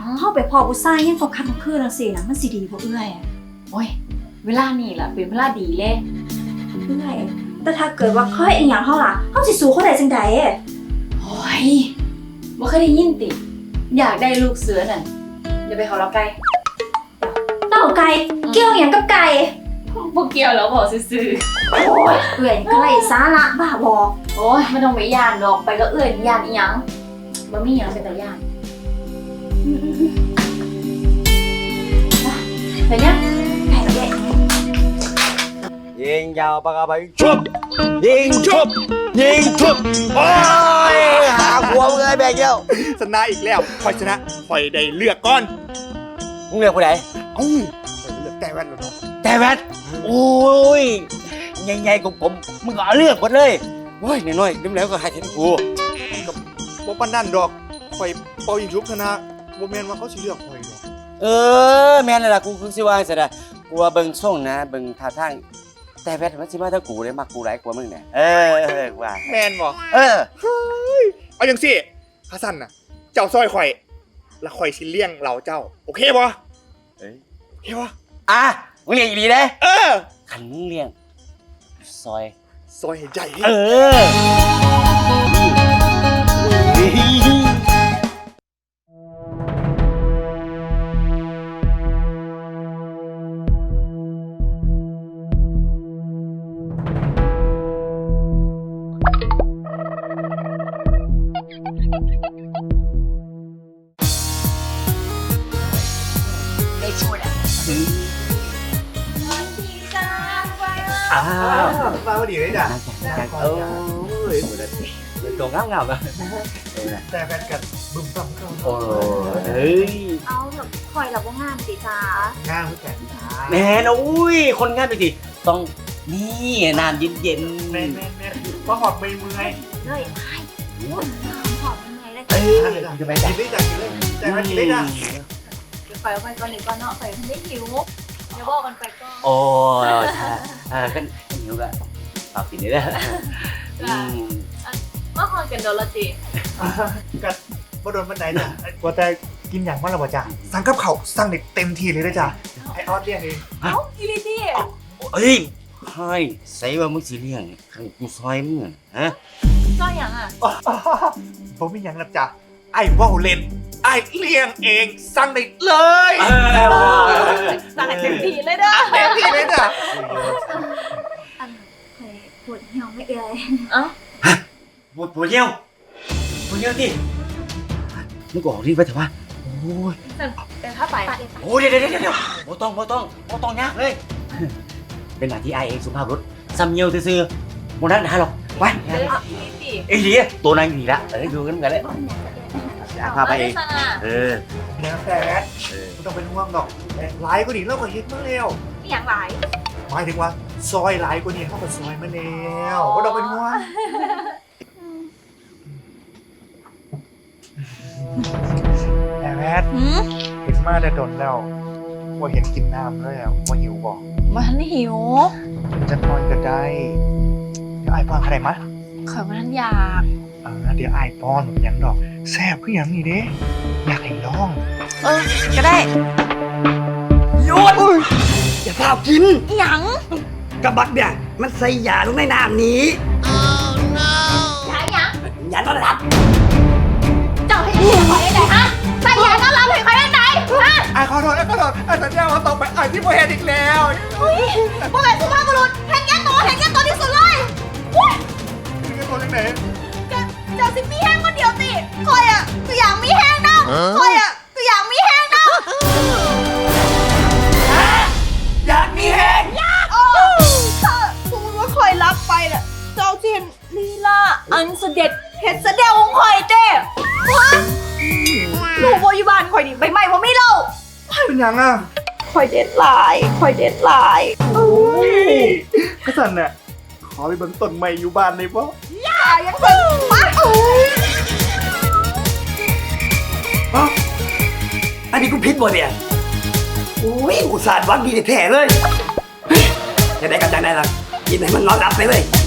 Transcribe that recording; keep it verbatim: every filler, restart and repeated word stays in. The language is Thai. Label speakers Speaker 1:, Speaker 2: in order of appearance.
Speaker 1: เข้าไปพอผู้ชายยังตกคันตกคืนจังซี่นะมันสิดีบ่เอื้อย
Speaker 2: โอ้ยเวลานี่ล่ะเป็นเวลาดีเลย
Speaker 1: เอื้อยแต่ถ้าเกิดว่าค่อยอีหยังเฮาล่ะเฮาสิสู้เขาได้จังได๋
Speaker 2: โอ้ยบ่เคยได้ยินติอยากได้ลูกเสือนั่นอย่าไปเขาเราไก่
Speaker 1: เต้าไก่เกี่ยวหยังกับไก่
Speaker 2: พวกเกี่ยวแล้วบอกซื่อ
Speaker 1: โอ้ยเอื้อยนี่ก็ไร้สาระบ้าบอ
Speaker 2: ๆโอ้ยไม่ต้องไปย่านดอกไปก็เอื้อยย่านอีหยังบ่มีหยังเป็นตาย่านไปเนี่ย
Speaker 1: ไก่ละเด้
Speaker 3: ยิงยาวปากกาไปชุบยิงชุบยิงชุบโอ้ยหาหัวมึงเลยแบกเดียว
Speaker 4: ชนะอีกแล้วคอยชนะคอยได้เลือกก่อน
Speaker 3: มึงเลือกผู้ใด
Speaker 4: เอ้าคอยเลือกแต่แว่นแล้วเนาะ
Speaker 3: แต่แวดโอ้ยใหญ่ๆของผมมึงก็เอาเลือกหมดเลยโอ้ยน้อยๆน้ำแล้วก็หายเห็นกู
Speaker 4: บ่ปานนั่นดอกคอยเป่ายิงชุบชนะบ่แม่นว่าเขาสิเลือกคอยดอก
Speaker 3: เออแม่นแล้วล่ะกูคือสิว่าจังซี่นะกูว่าเบิ่งส่งนะเบิ่งท่าทางแต่แวดมันสิมาถ้ากูได้มักกูหลายกว่ามึงเนี่ยเออเออว่า
Speaker 4: แม่นบ่
Speaker 3: เออ
Speaker 4: เอาจังซี่ข้าสั่นน่ะ เจ้าซอยข่อยแล้วข่อยสิเลี้ยงเหล่าเจ้าโอเคบ่
Speaker 3: เอ้ย
Speaker 4: โอเคบ่
Speaker 3: อ่ะมึงเลี้ยงอีหลีเด้
Speaker 4: เออ
Speaker 3: คันมึงเลี้ยงซอย
Speaker 4: ซอยให้ใหญ่
Speaker 3: เออ อ้าว
Speaker 4: มาพอดีเลยจ้ะ
Speaker 3: โอ้ยเป็นตัวงามๆอ่ะ
Speaker 4: แต่แว่นกันบึ้มบั่มเข้า
Speaker 3: โอ้เฮ้ย
Speaker 1: เอาแบบคอยละบ่งามติจ้า
Speaker 4: ง่ามแก่นจ้า
Speaker 3: แม่นอุ้ย คนงานไปสิต้องนี่น้ำเย็น
Speaker 4: แม่นแม่นแม่นว่าหอบไม่เมื่อย
Speaker 1: เลยไอ้โอ้ยหอมเหนื่อยเลย
Speaker 3: ๆเอ้ยจะไป
Speaker 4: กิ
Speaker 3: แต่
Speaker 4: นได้จ้ะกินเลยแต่แว่นกินได้จ้ะ
Speaker 2: เดี๋ยวไปเอาไปก่อนหนึ่งก่อนเนาะไปทันได้หิวเดี๋ยวบอกกันไปก่อน
Speaker 3: โอ้ใช่อ่ากันหิวก็ฝากกินได้แล้วอืม
Speaker 2: มาคอนกันโดนละติ
Speaker 4: กันบ่โดนบันไดจ้ะว่าแต่กินอย่างมันละบ่จ้ะสั่งกับเขาวสั่งเด็กเต็มที่เลยนะจ้ะไอออสเรียกเอง
Speaker 2: เอ้าอีลิตี้
Speaker 3: เอ้ยใช่ใส่ว่ามึงสิเลี้ยงขังกูซอยมึงอะฮะ
Speaker 2: ก็อย่างอ่ะ
Speaker 4: ผมมีอย่างรับจ้ะไอ้ว่าวเล่นไอ้เลี้ยงเองสั่งได้เลย
Speaker 2: สั่งให้เต็มที่เลยเด้อ
Speaker 4: เต็มที่เลยจ้ะ
Speaker 1: อันคอยปวดเหี่ยวไม่เอื้อย
Speaker 2: เอ้า
Speaker 3: ปวดปวดเยี่ยวปวดเยี่ยวที่มึงก็ออกรีบไปเถอะวะโอ้ย
Speaker 2: แต่ถ้าไป
Speaker 3: โอ้ยเดี๋ยวเดี๋ยวเดี๋ยวเดี๋ยวโอ้ต้องโอ้ต้องโอ้ต้องยากเลย เป็นหน้าที่ไอเองสุภาพบุรุษซ้ำเยี่ยวซื่อๆโมนั้นหาหรอกไป
Speaker 2: เด้ออีลิตี้
Speaker 3: ไอ้ดีตัวนั้นดีละเออดูกันกันเลยพาไปเองเออ
Speaker 4: เนี่ยแต่
Speaker 3: เออ
Speaker 4: ไม่ต้องเป็นห่วงหรอกหลายกว่านี้เราก็เฮ็ดมาแล้ว
Speaker 2: อีหยังหลาย
Speaker 4: หมายถึงว่าซอยหลายกว่านี้เขาก็ซอยมาแล้วไม่ต้องเป็นห่วงแต่แมท
Speaker 2: หืม
Speaker 4: เห็นมาแต่ดนแล้วว่าเห็นกินน้ำแล้วว่าหิวบอก
Speaker 2: มันหิว
Speaker 4: จะนอนก็ได้เดี๋ยวไอ้ป้อนอะไรมะ
Speaker 2: ข่อยมันอยาก
Speaker 4: เออเดี๋ยวไอ้ป้อนอย่างดอกแซ่บคืออย่างนี้เด้อยากให้ลอง
Speaker 2: เออก็ได้
Speaker 5: หยุดอย่าพากิน
Speaker 2: อีหยัง
Speaker 5: กระบักเนี่ยมันใส่ยาลงในน้ำนี้
Speaker 2: ยายหยัง
Speaker 5: ยาต้อนรับ
Speaker 2: เจ้าให้เสียข่อยได้ไหนฮะใส่ยาต้อนรับให้ข่อยได้ไหนฮะ
Speaker 4: ไอ้ขอโทษไอ้ขอโทษไอ้สัญญาว่าต่อไปไอ้ที่โมเห็นอีกแล้ว
Speaker 2: พวกแม่สุภาพบุรุษเห็นแก่ตัวเห็นแก่ตัวที่สุดเลยอุ้ย
Speaker 4: นี่คือตัวยังไง
Speaker 2: เจ้าสิมีแห้งคนเดียวติคอยอ่ะตัวอย่างมีแห้งนะคอยอ่ะตัวอย่างมีแห้งนะ
Speaker 5: อยากมีแห้ง
Speaker 2: โอ้ถ้าสมมติว่าคอยรับไปน่ะเจ้าเจนลีลาอันเสด็จเห็ดเสด็จของคอยเต้ฮะหนูโบอยบานคอยดิใบไม้ว่าไม่เล่า
Speaker 4: เป็นยังอ่ะ
Speaker 2: คอยเด็ดหลายคอยเด็ดหลาย
Speaker 4: โอ้ยกระสันน่ะขอไปเบิ่งต้นไม้อยู่บ้านเลยป่ะ
Speaker 2: อย่ายังเป็นมา
Speaker 5: เอ้าอันนี้กูพิษบ่เนี่ยโอ้ยอุตส่าห์หวังดีแท้ๆเลยเฮ้ยจะได้กันจังได้ล่ะกินให้มันนอนหลับไปเลย